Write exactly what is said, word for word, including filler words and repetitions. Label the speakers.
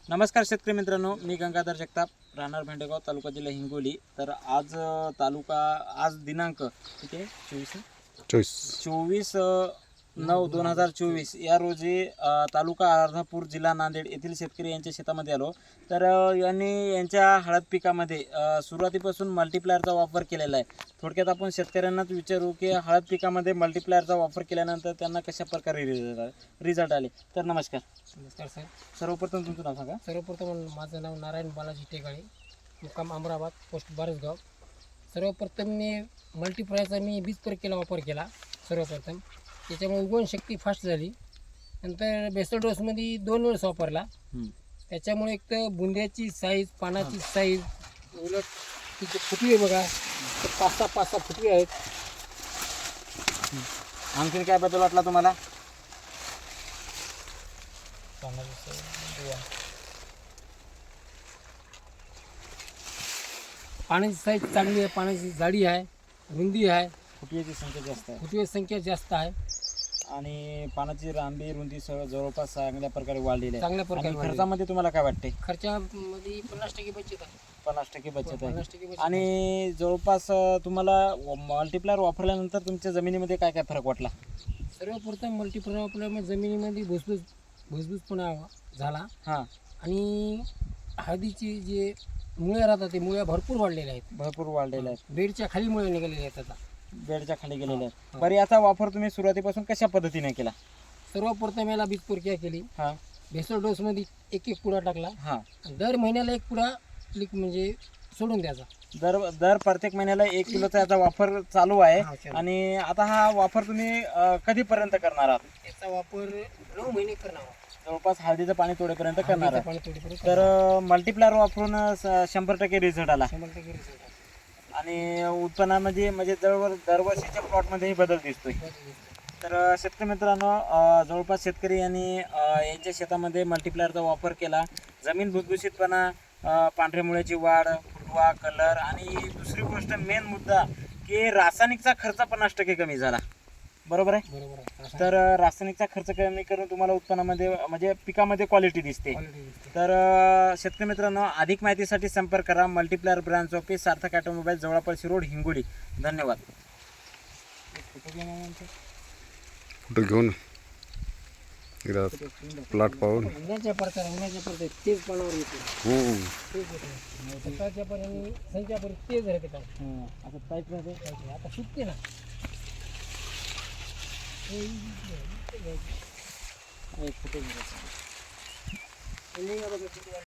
Speaker 1: नमस्कार शेतकरी मित्रांनो, मी गंगाधर जगताप, राहणार भेंडेगाव, तालुका जिल्हा हिंगोली. तर आज अ, तालुका आज दिनांक किती आहे? चोवीस
Speaker 2: चोवीस
Speaker 1: चोवीस नऊ दोन हजार चोवीस या रोजी अ, तालुका अर्धापूर, जिल्हा नांदेड येथील शेतकरी यांच्या शेतामध्ये आलो. तर अ, यांनी यांच्या हळद पिकामध्ये अ, सुरुवातीपासून मल्टीप्लायरचा वापर केलेला आहे. थोडक्यात आपण शेतकऱ्यांनाच विचारू की हळद पिकामध्ये मल्टीप्लायरचा वापर केल्यानंतर त्यांना कशा प्रकारे रिझल्ट रिझल्ट आले. तर नमस्कार.
Speaker 3: नमस्कार सर.
Speaker 1: सर्वप्रथम तुमचं नाव सांगा.
Speaker 3: सर्वप्रथम माझं नाव नारायण बालाजी टेकाळे, मुक्काम अमराबाद, पोस्ट बारसगाव. सर्वप्रथम मी मल्टीप्लायरचा मी बीज प्रक्रियेला वापर केला. सर्वप्रथम त्याच्यामुळे उगवण शक्ती फास्ट झाली. नंतर बेसल डोसमध्ये दोन वेळेस वापरला.
Speaker 1: हम्म.
Speaker 3: त्याच्यामुळे एक तर बुंद्याची साईज, पानाची साईज, उलट तिचे फुटवे बघा, तर पाच सहा पाच सहा फुटवे आहेत.
Speaker 1: आणखीन काय बदल वाटला तुम्हाला?
Speaker 3: पाण्याची साईज चांगली आहे, पाण्याची जाडी आहे, रुंदी आहे,
Speaker 1: फुटव्याची संख्या जास्त आहे
Speaker 3: फुटवे संख्या जास्त आहे.
Speaker 1: आणि पानाची लांबी रुंदी सह जवळपास चांगल्या प्रकारे वाढलेली आहे.
Speaker 3: चांगल्या प्रकारे
Speaker 1: आणि
Speaker 3: वाढलेली आहे.
Speaker 1: खर्चामध्ये तुम्हाला काय वाटते?
Speaker 3: खर्चामध्ये पन्नास टक्के बचत आहे.
Speaker 1: पन्नास टक्के बचत आहे.
Speaker 3: पन्नास टक्के बचत आहे.
Speaker 1: आणि जवळपास अं, तुम्हाला मल्टीप्लायर वापरल्यानंतर तुमच्या जमिनीमध्ये काय काय फरक वाटला?
Speaker 3: सर्वप्रथम मल्टीप्लायर वापरल्यामुळे जमिनीमध्ये भुसभुस भुसभुसपणा झाला.
Speaker 1: हां,
Speaker 3: आणि हळदीची जे मुळ्या राहतात ते मुळ्या भरपूर वाढलेल्या आहेत.
Speaker 1: भरपूर वाढलेले आहेत.
Speaker 3: बेडच्या खाली मुळे निघालेल्या आहेत आता.
Speaker 1: बेडच्या खाली गेलेले आहेत.
Speaker 3: हा.
Speaker 1: बरं, याचा वापर तुम्ही सुरुवातीपासून कशा पद्धतीने केला?
Speaker 3: सर्वप्रथम याला बीज प्रक्रिया केली.
Speaker 1: हां
Speaker 3: भेसळ डोसमध्ये एक एक पुडा टाकला.
Speaker 1: हां
Speaker 3: आणि दर महिन्याला एक पुडा लिक म्हणजे सोडून द्यायचा.
Speaker 1: दर दर प्रत्येक महिन्याला एक किलोचा याचा वापर चालू आहे.
Speaker 3: हा, चालू.
Speaker 1: आणि आता हा वापर तुम्ही अं, कधीपर्यंत करणार आहात?
Speaker 3: त्याचा वापर नऊ महिने करणार.
Speaker 1: जवळपास हळदीचं पाणी तोडेपर्यंत करणार
Speaker 3: हळदीचं
Speaker 1: आहात.
Speaker 3: पाणी थोडीपर्यंत
Speaker 1: तर मल्टीप्लायर वापरून अ, स- शंभर टक्के रिझल्ट आला.
Speaker 3: शंभर टक्के result आहे.
Speaker 1: आणि उत्पन्नामध्ये म्हणजे जवळ दरवर्षीच्या प्लॉटमध्येही बदल दिसतोय. तर अ, शेतकरी मित्रांनो, अ, जवळपास शेतकरी यांनी अ, यांच्या शेतामध्ये मल्टीप्लायरचा वापर केला. जमीन भुसभुशीतपणा, अ, पांढऱ्या मुळ्याची वाढ, फुटवा, कलर आणि दुसरी गोष्ट मेन मुद्दा की रासायनिकचा खर्च पन्नास टक्के कमी झाला. बरोबर आहे?
Speaker 3: बरोबर आहे.
Speaker 1: तर अ, रासायनिकचा खर्च कमी करून तुम्हाला उत्पन्नामध्ये म्हणजे पिकामध्ये क्वालिटी दिसते.
Speaker 3: Quality दिसते.
Speaker 1: तर अ, शेतकरी मित्रांनो, अधिक माहितीसाठी संपर्क करा. Multiplier branch office, Sarthak automobile, जवळपास रोड, हिंगोली. धन्यवाद.
Speaker 2: कुठं घेऊन एकदा प्लॉट पाहून
Speaker 3: उन्हाच्या प्रकारे उन्हाच्या प्रकारे तेज पाण्यावर येते.
Speaker 2: हम्म.
Speaker 3: तेज येते. सकाळच्या पण आणि संध्याच्या पण तेज राहते पाणी.
Speaker 1: हं, आता पाईप राहते.
Speaker 3: आता सुटते ना.
Speaker 1: एक फुटे घ्यायचं.
Speaker 3: आणि आता